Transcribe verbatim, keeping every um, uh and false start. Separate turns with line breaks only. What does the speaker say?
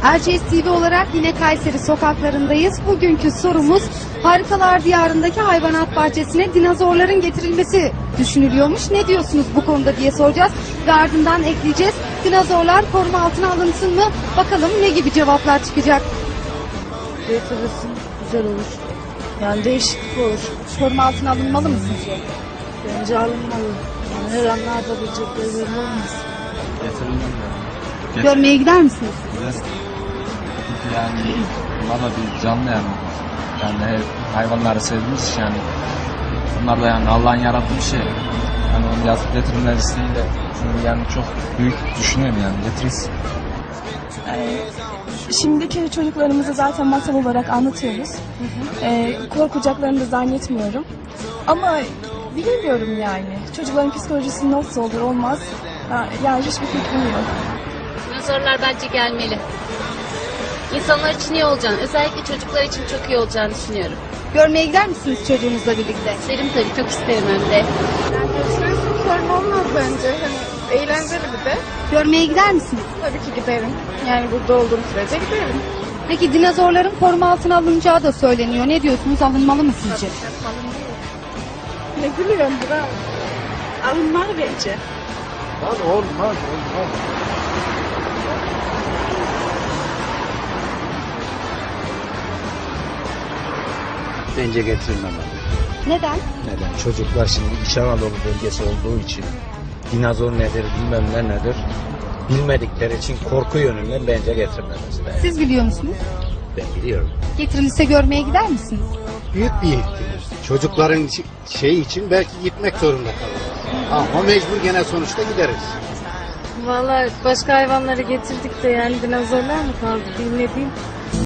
Erciyes T V olarak yine Kayseri sokaklarındayız. Bugünkü sorumuz Harikalar Diyarı'ndaki hayvanat bahçesine dinozorların getirilmesi düşünülüyormuş. Ne diyorsunuz bu konuda diye soracağız ve ardından ekleyeceğiz. Dinozorlar koruma altına alınsın mı? Bakalım ne gibi cevaplar çıkacak.
Getirirsin, güzel olur. Yani değişiklik olur.
Koruma altına alınmalı mı sizce?
Bence alınmalı. Yani her an ne yapabilecekleri belli olmaz.
Getirilmem yani.
Görmeye gider misiniz?
Güzel. Çünkü yani bunlar da bir canlı yani. Yani hep hayvanları sevdiğimiz için yani. Bunlar da yani Allah'ın yarattığı bir şey. Yani onu yazıp getirilmesiyle çünkü yani çok büyük düşünüyorum yani getirirsin.
Ee, Şimdiki çocuklarımızı zaten masal olarak anlatıyoruz. Ee, korkacaklarını da zannetmiyorum. Ama bilmiyorum yani. Çocukların psikolojisi nasıl olur olmaz. Ha, Yani hiçbir fikrim yok.
Dinozorlar bence gelmeli. İnsanlar için iyi olacağını, özellikle çocuklar için çok iyi olacağını düşünüyorum.
Görmeye gider misiniz çocuğunuzla birlikte?
İsterim tabii, çok isterim hem de.
Sorun olmaz bence. Hani eğlenceli bir de.
Görmeye gider misiniz?
Tabii ki giderim. Yani burada olduğum sürece giderim.
Peki dinozorların koruma altına alınacağı da söyleniyor. Ne diyorsunuz? Alınmalı mı sizce?
Ne gülüyorsun bravo. Alınmalı bence.
Lan olmaz olmaz.
Bence getirilmemeli.
Neden?
Neden? Çocuklar şimdi İç Anadolu bölgesi olduğu için dinozor nedir bilmem ne nedir bilmedikleri için korku yönünden bence getirilmemesi lazım.
Siz biliyor musunuz?
Ben biliyorum.
Getirilirse görmeye gider misiniz?
Büyük bir ihtimal. Çocukların şey için belki gitmek zorunda kalırız. Ama mecbur gene sonuçta gideriz.
Vallahi başka hayvanları getirdik de yani dinozorlar mı kaldı bilmediğim.